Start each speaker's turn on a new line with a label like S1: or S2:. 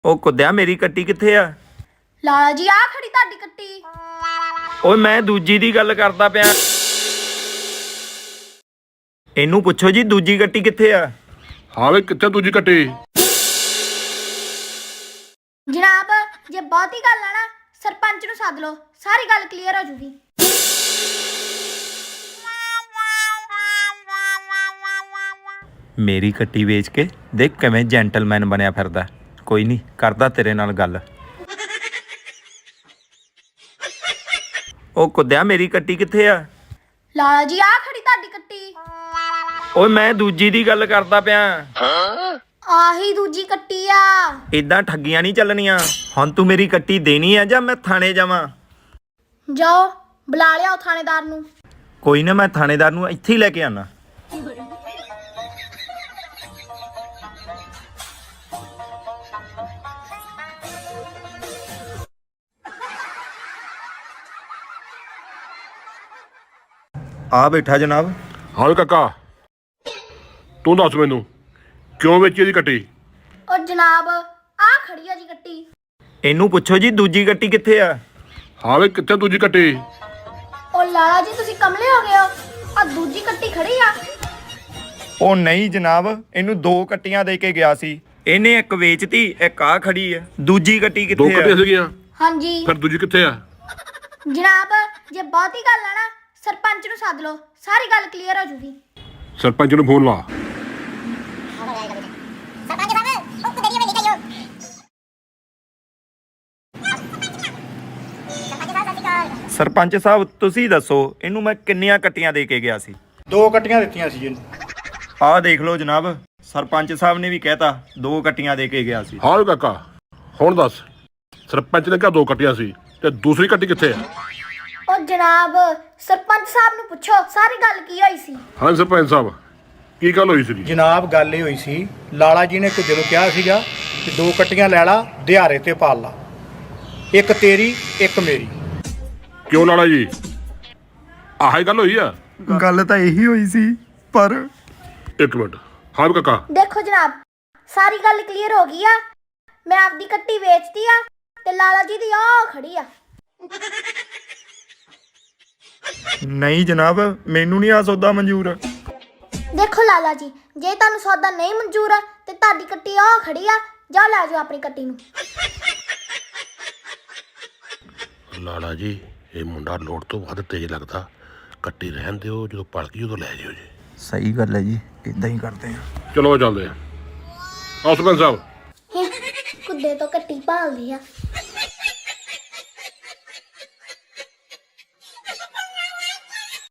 S1: ਉਹ ਕੁੱਦਿਆ ਮੇਰੀ ਕੱਟੀ ਕਿੱਥੇ ਆ?
S2: ਲਾਲਾ ਜੀ ਆ ਖੜੀ ਤੁਹਾਡੀ ਕੱਟੀ।
S1: ਓਏ ਮੈਂ ਦੂਜੀ ਦੀ ਗੱਲ ਕਰਦਾ ਪਿਆ। ਇਹਨੂੰ ਪੁੱਛੋ ਜੀ ਦੂਜੀ ਕੱਟੀ ਕਿੱਥੇ ਆ?
S3: ਹਾਂ ਵੇ ਕਿੱਥੇ ਦੂਜੀ ਕੱਟੀ?
S2: ਜਨਾਬ ਜੇ ਬਹੁਤੀ ਗੱਲ ਆ ਨਾ ਸਰਪੰਚ ਨੂੰ ਸੱਦ ਲਓ, ਸਾਰੀ ਗੱਲ ਕਲੀਅਰ ਹੋ ਜੂਗੀ।
S1: ਮੇਰੀ ਕੱਟੀ ਵੇਚ ਕੇ ਦੇਖ ਕਿਵੇਂ ਜੈਂਟਲਮੈਨ ਬਣਿਆ ਫਿਰਦਾ। ਕੋਈ ਨਹੀਂ ਕਰਦਾ ਤੇਰੇ ਨਾਲ ਗੱਲ। ਉਹ ਕੁੱਦਿਆ ਮੇਰੀ ਕੱਟੀ ਕਿੱਥੇ ਆ?
S2: ਲਾਲਾ ਜੀ ਆ ਖੜੀ ਤੁਹਾਡੀ ਕੱਟੀ।
S1: ਓਏ ਮੈਂ ਦੂਜੀ ਦੀ ਗੱਲ ਕਰਦਾ ਪਿਆ।
S2: ਆਹੀ ਦੂਜੀ ਕੱਟੀ ਆ।
S1: ਇਦਾਂ ਠੱਗੀਆਂ ਨਹੀਂ ਚੱਲਣੀਆਂ। ਹੁਣ ਤੂੰ ਮੇਰੀ ਕੱਟੀ ਦੇਣੀ ਆ ਜਾਂ ਮੈਂ ਥਾਣੇ ਜਾਵਾਂ?
S2: ਜਾਓ ਬੁਲਾ ਲਿਆਓ ਥਾਣੇਦਾਰ ਨੂੰ।
S1: ਕੋਈ ਨਾ ਮੈਂ ਥਾਣੇਦਾਰ ਨੂੰ ਇੱਥੇ ਹੀ ਲੈ ਕੇ ਆਣਾ। ਆ ਬੈਠਾ ਜਨਾਬ।
S3: ਹਾਂ ਵੇ ਕਾਕਾ ਤੂੰ ਦੱਸ ਮੈਨੂੰ ਕਿਉਂ ਵੇਚੀ ਇਹਦੀ ਕੱਟੀ?
S2: ਉਹ ਜਨਾਬ ਆ ਖੜੀ ਆ ਜੀ ਕੱਟੀ।
S1: ਇਹਨੂੰ ਪੁੱਛੋ ਜੀ ਦੂਜੀ ਕੱਟੀ ਕਿੱਥੇ ਆ?
S3: ਹਾਂ ਵੇ ਕਿੱਥੇ ਦੂਜੀ ਕੱਟੀ?
S2: ਉਹ ਲਾਲਾ ਜੀ ਤੁਸੀਂ ਕਮਲੇ ਹੋ ਗਏ ਹੋ, ਆ ਦੂਜੀ ਕੱਟੀ ਖੜੀ ਆ।
S1: ਉਹ ਨਹੀਂ ਜਨਾਬ, ਇਹਨੂੰ ਦੋ ਕੱਟੀਆਂ ਦੇ ਕੇ ਗਿਆ ਸੀ। ਇਹਨੇ ਇੱਕ ਵੇਚਤੀ, ਇੱਕ ਆ ਖੜੀ ਆ। ਦੂਜੀ ਕੱਟੀ
S3: ਦੋ
S1: ਕਿੱਥੇ
S3: ਕੱਟੀਆਂ
S1: ਆ?
S3: ਸੀਗੀਆਂ,
S2: ਹਾਂਜੀ
S3: ਫਿਰ ਦੂਜੀ ਕਿੱਥੇ ਆ?
S2: ਜਨਾਬ ਜੇ ਬਹੁਤੀ ਗੱਲ ਆ ਨਾ ਸਰਪੰਚ ਨੂੰ ਸੱਦ ਲਓ, ਸਾਰੀ ਗੱਲ ਕਲੀਅਰ ਹੋ ਜੂਗੀ।
S3: ਸਰਪੰਚ ਨੂੰ ਫੋਨ ਲਾ।
S1: ਸਰਪੰਚ ਸਾਹਿਬ ਤੁਸੀਂ ਦੱਸੋ ਇਹਨੂੰ ਮੈਂ ਕਿੰਨੀਆਂ ਕੱਟੀਆਂ ਦੇ ਕੇ ਗਿਆ ਸੀ?
S4: ਦੋ ਕੱਟੀਆਂ ਦਿੱਤੀਆਂ ਸੀ ਇਹਨੂੰ।
S1: ਆਹ ਦੇਖ ਲਓ ਜਨਾਬ, ਸਰਪੰਚ ਸਾਹਿਬ ਨੇ ਵੀ ਕਹਿਤਾ ਦੋ ਕੱਟੀਆਂ ਦੇ ਕੇ ਗਿਆ ਸੀ।
S3: ਹਾਂ ਵੇ ਕਾਕਾ ਹੁਣ ਦੱਸ ਸਰਪੰਚ ਨੇ ਕਿਹਾ ਦੋ ਕੱਟੀਆਂ ਸੀ ਤੇ ਦੂਸਰੀ ਕੱਟੀ ਕਿੱਥੇ ਆ?
S2: ਉਹ ਜਨਾਬ ਸਰਪੰਚ ਸਾਹਿਬ ਨੂੰ ਪੁੱਛੋ ਸਾਰੀ ਗੱਲ ਕੀ ਹੋਈ ਸੀ।
S3: ਹਾਂ ਸਰਪੰਚ ਸਾਹਿਬ ਕੀ ਗੱਲ ਹੋਈ ਸੀ?
S4: ਜਨਾਬ ਗੱਲ ਇਹ ਹੋਈ ਸੀ, ਲਾਲਾ ਜੀ ਨੇ ਕੁਝ ਨੂੰ ਕਿਹਾ ਸੀਗਾ ਕਿ ਦੋ ਕੱਟੀਆਂ ਲੈ ਲਾ ਦਿਹਾੜੇ ਤੇ ਪਾਲ ਲਾ, ਇੱਕ ਤੇਰੀ ਇੱਕ ਮੇਰੀ।
S3: ਕਿਉਂ ਲਾਲਾ ਜੀ ਆਹ ਹੀ ਗੱਲ ਹੋਈ ਆ?
S1: ਗੱਲ ਤਾਂ ਇਹੀ ਹੋਈ ਸੀ ਪਰ
S3: ਇੱਕ ਮਿੰਟ। ਹਾਂ ਵੇ ਕਾਕਾ
S2: ਦੇਖੋ ਜਨਾਬ ਸਾਰੀ ਗੱਲ ਕਲੀਅਰ ਹੋ ਗਈ ਆ। ਮੈਂ ਆਪਦੀ ਕੱਟੀ ਵੇਚਤੀ ਆ ਤੇ ਲਾਲਾ ਜੀ ਦੀ ਆ ਖੜੀ ਆ।
S1: ਨਹੀਂ ਜਨਾਬ, ਮੈਨੂੰ ਨਹੀਂ ਆ ਸੌਦਾ ਮਨਜ਼ੂਰ।
S2: ਦੇਖੋ ਲਾਲਾ ਜੀ ਜੇ ਤੁਹਾਨੂੰ ਸੌਦਾ ਨਹੀਂ ਮਨਜ਼ੂਰ ਆ ਤੇ ਤੁਹਾਡੀ ਕੱਟੀ ਆ ਖੜੀ ਆ, ਜਾਓ ਲੈ ਜਾਓ ਆਪਣੀ ਕੱਟੀ ਨੂੰ।
S3: ਲਾਲਾ ਜੀ ਇਹ ਮੁੰਡਾ ਲੋੜ ਤੋਂ ਵੱਧ ਤੇਜ਼ ਲੱਗਦਾ, ਕੱਟੀ ਰਹਿਣ ਦਿਓ, ਜਦੋਂ ਪਲ ਗਈ ਉਦੋਂ ਲੈ ਜਿਓ ਜੀ।
S1: ਸਹੀ ਗੱਲ ਹੈ ਜੀ, ਇਦਾਂ ਹੀ ਕਰਦੇ ਆ।
S3: ਚਲੋ ਚੱਲਦੇ ਆ। ਆਓ ਸਰਪੰਚ ਸਾਹਿਬ।
S2: ਕੁੱਦੇ ਤੋਂ ਕੱਟੀ ਭਾਲਦੀ ਆ।